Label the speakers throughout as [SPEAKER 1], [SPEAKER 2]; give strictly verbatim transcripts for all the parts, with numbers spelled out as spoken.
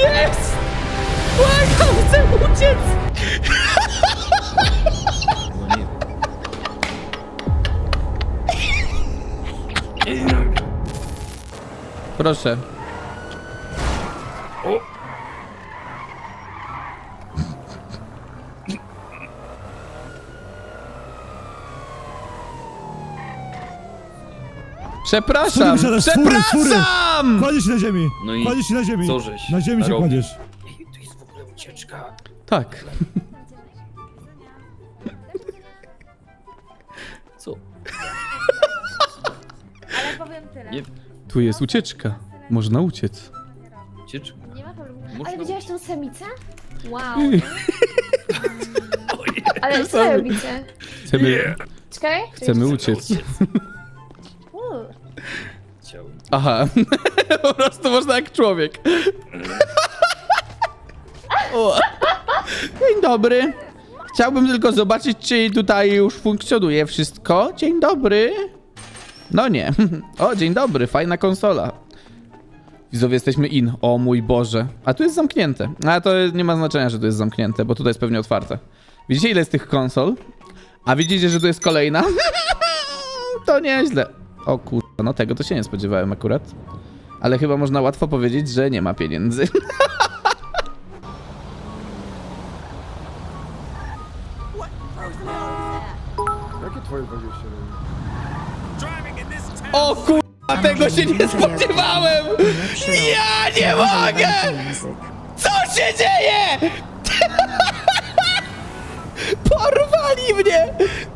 [SPEAKER 1] jest? Błagam, chcę uciec! Proszę. Przepraszam,
[SPEAKER 2] Fury wysiadasz, fury, fury.
[SPEAKER 1] przepraszam!
[SPEAKER 2] Kładziesz się na ziemi!
[SPEAKER 3] No i
[SPEAKER 2] Kładziesz się na ziemi!
[SPEAKER 3] co żeś
[SPEAKER 2] Na ziemi się
[SPEAKER 3] robisz?
[SPEAKER 2] kładziesz.
[SPEAKER 3] Ej, to jest w ogóle ucieczka.
[SPEAKER 1] Tak.
[SPEAKER 3] Co?
[SPEAKER 4] Ale powiem tyle.
[SPEAKER 3] Nie,
[SPEAKER 1] Tu jest ucieczka. Można uciec.
[SPEAKER 3] ucieczka.
[SPEAKER 4] Nie ma problemu.
[SPEAKER 3] Można
[SPEAKER 4] Ale widziałaś tą samicę? Wow.
[SPEAKER 3] Ojej.
[SPEAKER 4] Ale co robicie?
[SPEAKER 1] Chcemy,
[SPEAKER 4] Czekaj.
[SPEAKER 1] chcemy uciec.
[SPEAKER 4] Uuu.
[SPEAKER 3] Chciałem.
[SPEAKER 1] Aha. Po prostu można jak człowiek. O. Dzień dobry. Chciałbym tylko zobaczyć, czy tutaj już funkcjonuje wszystko. Dzień dobry. No nie. O, dzień dobry. Fajna konsola. Widzowie, jesteśmy in. O mój Boże. A tu jest zamknięte. A to nie ma znaczenia, że tu jest zamknięte, bo tutaj jest pewnie otwarte. Widzicie, ile jest tych konsol? A widzicie, że tu jest kolejna? To nieźle. O kurwa, no tego to się nie spodziewałem akurat. Ale chyba można łatwo powiedzieć, że nie ma pieniędzy.
[SPEAKER 5] Jakie twoje dwadzieścia?
[SPEAKER 1] O kurwa, tego się nie spodziewałem! Ja nie mogę! Co się dzieje? Porwali mnie!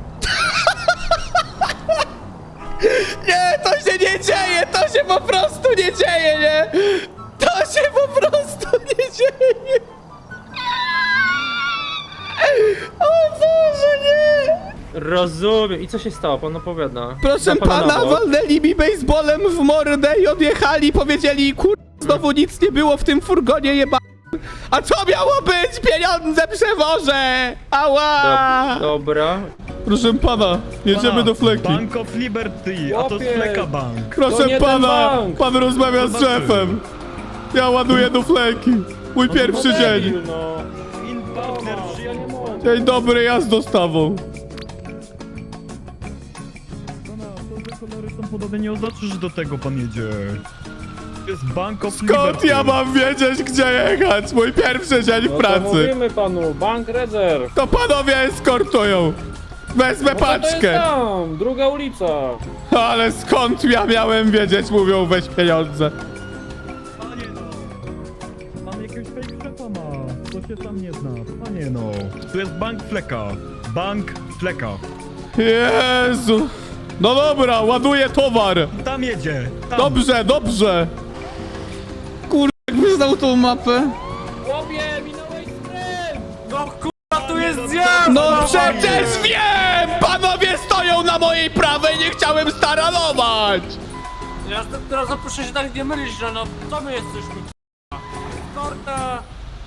[SPEAKER 1] Nie, to się nie dzieje! To się po prostu nie dzieje, nie? To się po prostu nie dzieje! O Boże, nie!
[SPEAKER 6] Rozumiem. I co się stało? Pan opowiada.
[SPEAKER 1] Proszę
[SPEAKER 6] Za
[SPEAKER 1] pana,
[SPEAKER 6] na bok.
[SPEAKER 1] walnęli mi baseballem w mordę i odjechali, powiedzieli, kur... znowu nic nie było w tym furgonie jeba... A co miało być? Pieniądze przewożę! Ała!
[SPEAKER 6] Dob- Dobra.
[SPEAKER 1] Proszę pana, jedziemy do fleki.
[SPEAKER 2] Bank of Liberty, a to
[SPEAKER 6] Chłopie.
[SPEAKER 2] Fleka Bank.
[SPEAKER 6] To
[SPEAKER 1] Proszę
[SPEAKER 6] nie ten
[SPEAKER 1] pana,
[SPEAKER 6] bank.
[SPEAKER 1] pan rozmawia z
[SPEAKER 2] Zobaczymy.
[SPEAKER 1] szefem. Ja ładuję do fleki. Mój pierwszy
[SPEAKER 6] No
[SPEAKER 1] dzień.
[SPEAKER 6] debil, no.
[SPEAKER 2] In partner,
[SPEAKER 6] Ja nie mogę.
[SPEAKER 1] Dzień dobry, ja z dostawą.
[SPEAKER 2] Pana, to, że kolory są podobne, nie oznacza, że do tego pan jedzie. To jest Bank of
[SPEAKER 1] Skąd
[SPEAKER 2] Liberty.
[SPEAKER 1] ja mam wiedzieć, gdzie jechać? Mój pierwszy dzień w
[SPEAKER 6] No to
[SPEAKER 1] pracy.
[SPEAKER 6] mówimy panu, bank rezerw.
[SPEAKER 1] To panowie eskortują. Wezmę
[SPEAKER 6] No to jest
[SPEAKER 1] paczkę.
[SPEAKER 6] tam, druga ulica.
[SPEAKER 1] Ale skąd ja miałem wiedzieć? Mówią, weź pieniądze.
[SPEAKER 2] Panie no. Pan jakiegoś fake szefa ma. To się tam nie zna. Panie no. Tu jest Bank Fleka. Bank Fleka.
[SPEAKER 1] Jezu. No dobra, ładuję towar.
[SPEAKER 2] Tam jedzie. Tam.
[SPEAKER 1] Dobrze, dobrze. Kurde, jakby znał tą mapę.
[SPEAKER 6] Chłopie, minąłeś skręt.
[SPEAKER 3] No kurwa, tu jest zjazd!
[SPEAKER 1] No przecież wiem! Panowie stoją na mojej prawej, nie chciałem staranować.
[SPEAKER 3] Ja teraz proszę się tak nie mylić, że no, co my jesteśmy Korta!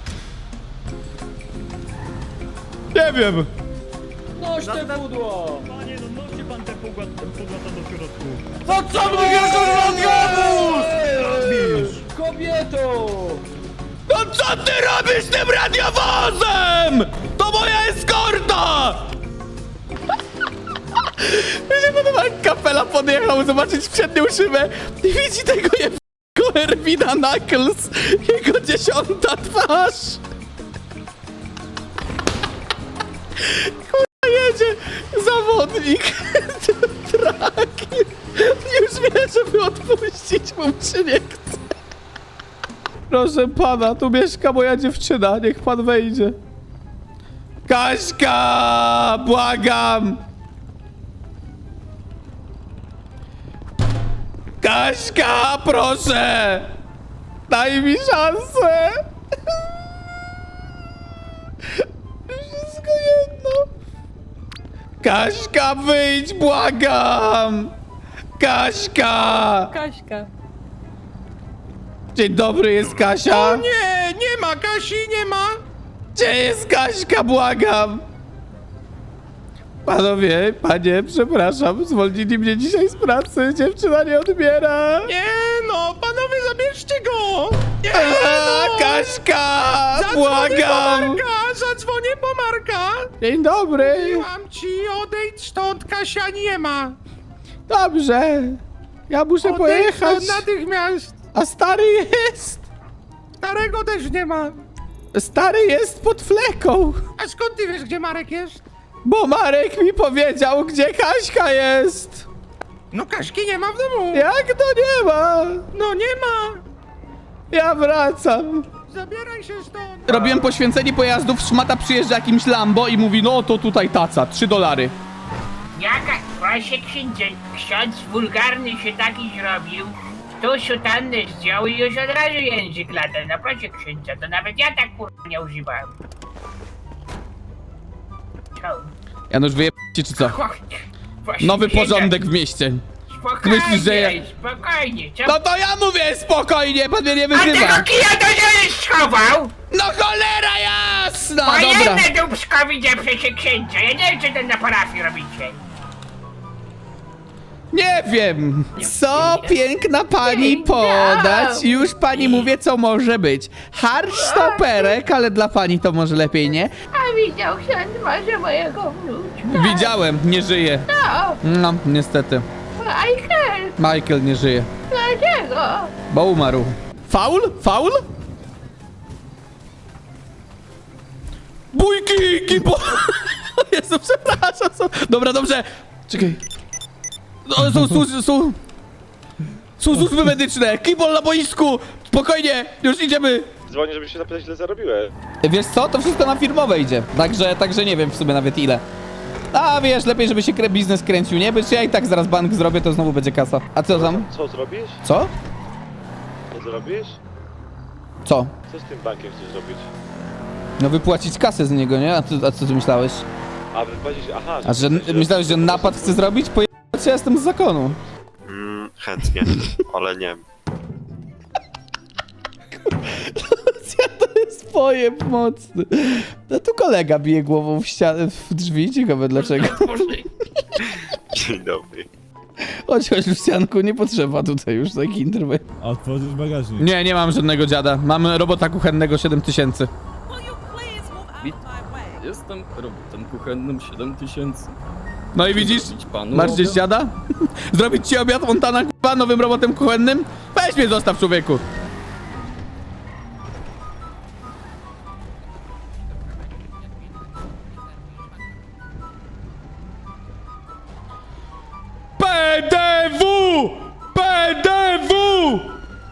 [SPEAKER 1] Nie wiem.
[SPEAKER 6] Noś te pudło.
[SPEAKER 2] Panie no, nosi pan te pogłata do środku.
[SPEAKER 3] To co my wjeżdżasz na radiowóz?
[SPEAKER 6] Kobieto.
[SPEAKER 1] No co ty robisz tym radiowozem? To moja eskorta! Mi się podoba, jak kapela podjechał zobaczyć przednią szybę i widzi tego jebnego Erwina Knuckles, jego dziesiąta twarz. Kurwa, jedzie zawodnik trakiem. Już wie, żeby odpuścić mu, czy nie chce. Proszę pana, tu mieszka moja dziewczyna, niech pan wejdzie. Kaśka, błagam! Kaśka, proszę! Daj mi szansę! Wszystko jedno. Kaśka, wyjdź, błagam! Kaśka!
[SPEAKER 4] Kaśka.
[SPEAKER 1] Dzień dobry, jest Kasia?
[SPEAKER 5] O nie, nie ma Kasi, nie ma!
[SPEAKER 1] Gdzie jest Kaśka, błagam? Panowie, panie, przepraszam, zwolnili mnie dzisiaj z pracy, dziewczyna nie odbiera.
[SPEAKER 5] Nie no, panowie zabierzcie go!
[SPEAKER 1] Eee, Kaśka! Błagam!
[SPEAKER 5] Marka, zadzwonię po Marka!
[SPEAKER 1] Dzień dobry!
[SPEAKER 5] Mam ci, odejdź stąd, Kasia nie ma!
[SPEAKER 1] Dobrze. Ja muszę
[SPEAKER 5] Odejdź
[SPEAKER 1] pojechać.
[SPEAKER 5] stąd natychmiast!
[SPEAKER 1] A stary jest.
[SPEAKER 5] Starego też nie ma!
[SPEAKER 1] Stary jest pod fleką.
[SPEAKER 5] A skąd ty wiesz, gdzie Marek jest?
[SPEAKER 1] Bo Marek mi powiedział, gdzie Kaśka jest.
[SPEAKER 5] No Kaśki nie ma w domu!
[SPEAKER 1] Jak to nie ma?
[SPEAKER 5] No nie ma!
[SPEAKER 1] Ja wracam.
[SPEAKER 5] Zabieraj się stąd!
[SPEAKER 1] Robiłem poświęcenie pojazdów, szmata przyjeżdża jakimś Lambo i mówi, no to tutaj taca, trzy dolary.
[SPEAKER 7] Jaka, właśnie księdzie, ksiądz wulgarny się taki zrobił, tu sutannę zdjął i już od razu język lata. No proszę księdza, to nawet ja tak kurwa nie używałem. Co?
[SPEAKER 1] Janusz, wyjeb ci czy co?
[SPEAKER 7] Chodź, właśnie
[SPEAKER 1] Nowy
[SPEAKER 7] księdza,
[SPEAKER 1] porządek w mieście.
[SPEAKER 7] Spokojnie,
[SPEAKER 1] Myślisz, że ja-
[SPEAKER 7] spokojnie, co?
[SPEAKER 1] No to ja mówię spokojnie, pan mnie nie
[SPEAKER 7] A tego
[SPEAKER 1] wyzywa.
[SPEAKER 7] kija to żeś schował?
[SPEAKER 1] No cholera jasna,
[SPEAKER 7] Bo
[SPEAKER 1] dobra.
[SPEAKER 7] jedne dubsko widzę przecież księdza, ja nie wiem co ten na parafii robicie.
[SPEAKER 1] Nie wiem, co piękna pani podać. Już pani mówię, co może być. Harsz stoperek, ale dla pani to może lepiej, nie?
[SPEAKER 4] A widział ksiądz może mojego wnuczka?
[SPEAKER 1] Widziałem, nie żyje.
[SPEAKER 4] No,
[SPEAKER 1] No, niestety.
[SPEAKER 4] Michael,
[SPEAKER 1] Michael nie żyje,
[SPEAKER 4] dlaczego?
[SPEAKER 1] bo umarł. Faul? Faul? Bójki! Kipo! Jezu, przepraszam. Są... Dobra, dobrze. Czekaj. No, są, są, są... Są służby medyczne. Kibol na boisku. Spokojnie, już idziemy.
[SPEAKER 8] Dzwonię, żeby się zapytać, ile zarobiłeś.
[SPEAKER 1] Wiesz co? To wszystko na firmowe idzie. Także, także nie wiem w sumie nawet ile. A wiesz, lepiej żeby się krę- biznes kręcił, nie? Bo ja i tak zaraz bank zrobię, to znowu będzie kasa. A co tam?
[SPEAKER 8] Co zrobisz?
[SPEAKER 1] Co?
[SPEAKER 8] Co zrobisz?
[SPEAKER 1] Co?
[SPEAKER 8] Co z tym bankiem chcesz zrobić?
[SPEAKER 1] No wypłacić kasę z niego, nie? A, ty, a co ty myślałeś?
[SPEAKER 8] A wypłacisz, aha.
[SPEAKER 1] A że
[SPEAKER 8] chcesz-
[SPEAKER 1] myślałeś, że napad chce zrobić? Pojechać, ja jestem z zakonu.
[SPEAKER 8] Mm, chętnie, ale nie.
[SPEAKER 1] Ja to jest pojeb mocny. No tu kolega bije głową w ścianę, w drzwi, ciekawe dlaczego.
[SPEAKER 8] Dzień dobry.
[SPEAKER 1] Chodź, chodź Lucianku, nie potrzeba tutaj już takich interwencji.
[SPEAKER 2] A otworzysz bagażnik.
[SPEAKER 1] Nie, nie mam żadnego dziada. Mamy robota kuchennego siedem tysięcy.
[SPEAKER 9] Jestem robotem kuchennym siedem tysięcy.
[SPEAKER 1] No i widzisz?
[SPEAKER 9] Panu
[SPEAKER 1] Masz gdzieś dziada? Zrobić ci obiad Montana k***a nowym robotem kuchennym? Weź mnie zostaw, człowieku. P D W! P D W!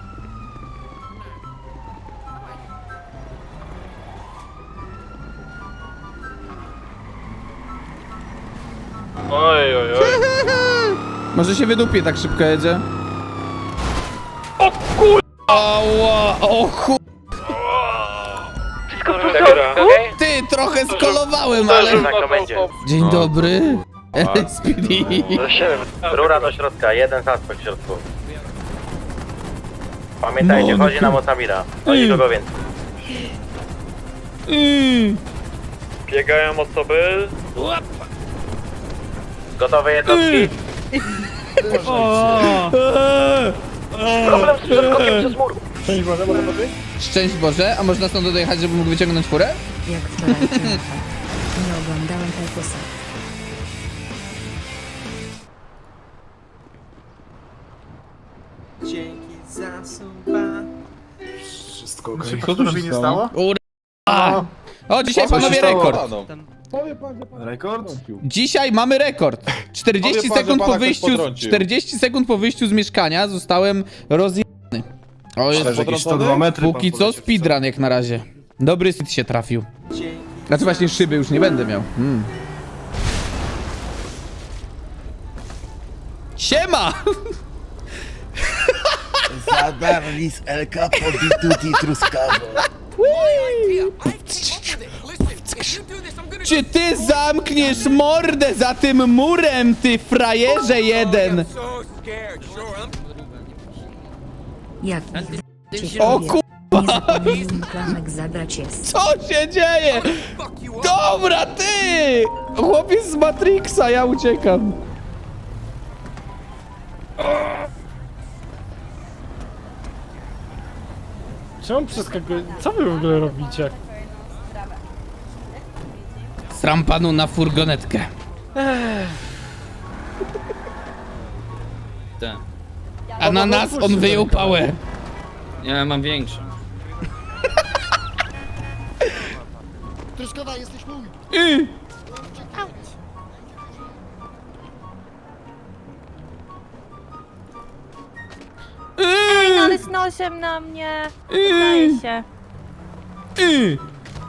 [SPEAKER 8] Oj, oj, oj.
[SPEAKER 1] Może się wydupie, tak szybko jedzie. O kur... Ała, o chu... Ty, trochę skolowałem, ale... Dzień dobry. L S P D.
[SPEAKER 10] Rura do środka, jeden suspekt w środku. Pamiętajcie,
[SPEAKER 1] No,
[SPEAKER 10] chodzi
[SPEAKER 1] no.
[SPEAKER 10] nam o Samira. Chodzi
[SPEAKER 1] Mm.
[SPEAKER 10] kogo więcej.
[SPEAKER 1] Mm.
[SPEAKER 8] Biegają osoby.
[SPEAKER 10] Gotowe jednostki?
[SPEAKER 1] Eee.
[SPEAKER 10] Problem z środkokiem przez mur.
[SPEAKER 1] Szczęść Boże, a można stąd dojechać, żeby mógł wyciągnąć furę?
[SPEAKER 11] Jak wczoraj cię nie oglądałem Tajkusa.
[SPEAKER 5] Wszystko okej. Co tu się stało?
[SPEAKER 1] Ura. O, dzisiaj panowie rekord.
[SPEAKER 5] Rekord?
[SPEAKER 1] Dzisiaj mamy rekord. czterdzieści
[SPEAKER 5] Powie pan,
[SPEAKER 1] sekund
[SPEAKER 5] że
[SPEAKER 1] po
[SPEAKER 5] pana ktoś
[SPEAKER 1] wyjściu,
[SPEAKER 5] potrącił.
[SPEAKER 1] czterdzieści sekund po wyjściu z mieszkania zostałem rozjebany. O, jest
[SPEAKER 5] jakieś sto dwa metry
[SPEAKER 1] póki
[SPEAKER 5] pan
[SPEAKER 1] co
[SPEAKER 5] poleciał,
[SPEAKER 1] speedrun jak na razie. Dobry sit się trafił. Znaczy właśnie szyby już nie będę miał. Hmm. Siema!
[SPEAKER 10] Zadarli z El Capo di tutti truskawo.
[SPEAKER 1] Czy ty zamkniesz mordę za tym murem, ty frajerze jeden?
[SPEAKER 11] Jak cię
[SPEAKER 1] O
[SPEAKER 11] lubię.
[SPEAKER 1] ku...
[SPEAKER 11] Nie zapomnij mi klamek zabrać jest.
[SPEAKER 1] Co się dzieje? Dobra, ty! Chłopiec z Matrixa, ja uciekam.
[SPEAKER 2] Czemu przeskakuje? Co wy w ogóle robicie?
[SPEAKER 1] Sram panu na furgonetkę.
[SPEAKER 9] Ten.
[SPEAKER 1] A na nas on wyjął pałę.
[SPEAKER 9] Ja mam większą.
[SPEAKER 10] Truskawka, jesteś mój!
[SPEAKER 1] Y.
[SPEAKER 4] Ej, no ale z nosem na mnie. Wydaje się.
[SPEAKER 1] Y.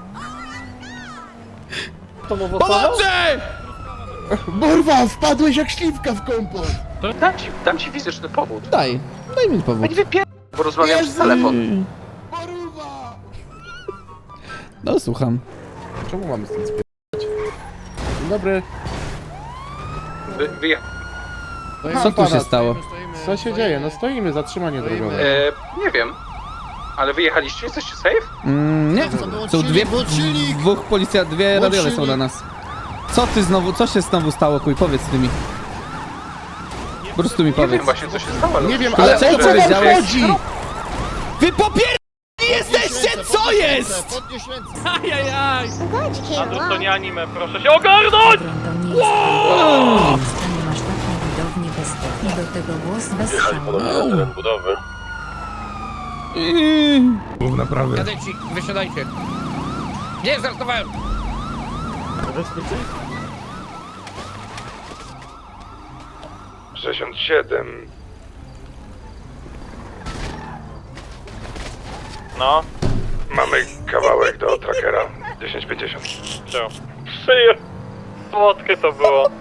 [SPEAKER 6] To mu wosowo?
[SPEAKER 1] Pomocy!
[SPEAKER 10] Borwa, wpadłeś jak śliwka w kompot!
[SPEAKER 3] Dam ci, dam ci fizyczny powód.
[SPEAKER 1] Daj, daj mi powód.
[SPEAKER 3] Bo rozmawiam przez telefon.
[SPEAKER 1] Y.
[SPEAKER 10] Borwa!
[SPEAKER 1] No słucham.
[SPEAKER 5] Czemu mamy stąd spierdać? Dzień dobry.
[SPEAKER 3] Wy, wyje...
[SPEAKER 1] Co tu się stało?
[SPEAKER 5] Co się dzieje? No stoimy, zatrzymanie drogowe.
[SPEAKER 3] E, nie wiem. Ale wyjechaliście? Jesteście safe?
[SPEAKER 1] Mm, nie, są dwie, dwóch policja, dwie radiole są na nas. Co ty znowu, co się znowu stało, kuj, powiedz ty mi. Po prostu mi
[SPEAKER 3] Nie wiem
[SPEAKER 1] powiedz.
[SPEAKER 3] właśnie co się stało, ale...
[SPEAKER 5] Nie wiem,
[SPEAKER 1] Ale
[SPEAKER 5] ale
[SPEAKER 1] co
[SPEAKER 5] o co wam
[SPEAKER 1] powiedziałeś?
[SPEAKER 5] chodzi?
[SPEAKER 1] Wy popier... jesteście, co jest?
[SPEAKER 10] Podnieś ręce!
[SPEAKER 6] Ajajaj!
[SPEAKER 8] Andrus, to nie anime, proszę się ogarnąć!
[SPEAKER 11] Wow! Nie masz taką widownię bez i do tego głos bez szału.
[SPEAKER 8] teren budowy.
[SPEAKER 1] Yy.
[SPEAKER 5] Naprawdę.
[SPEAKER 6] Kadeci, wysiadajcie. Nie, żartowałem!
[SPEAKER 8] sześćdziesiąt siedem. No? Mamy kawałek do trackera. dziesięć pięćdziesiąt. Co? Przyje... Słodkie to było.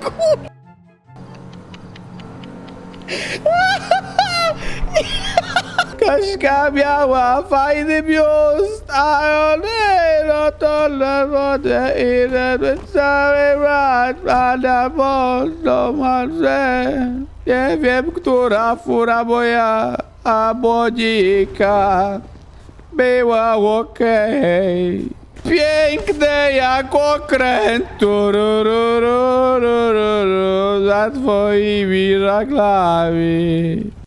[SPEAKER 1] Kaśka miała fajny biust, a one no to na wodę i na cały raz, a na mocno marzę. Nie wiem, która fura moja, a Monika była okej. Piękne jak okręt, tururururururu, za twoimi żaglami.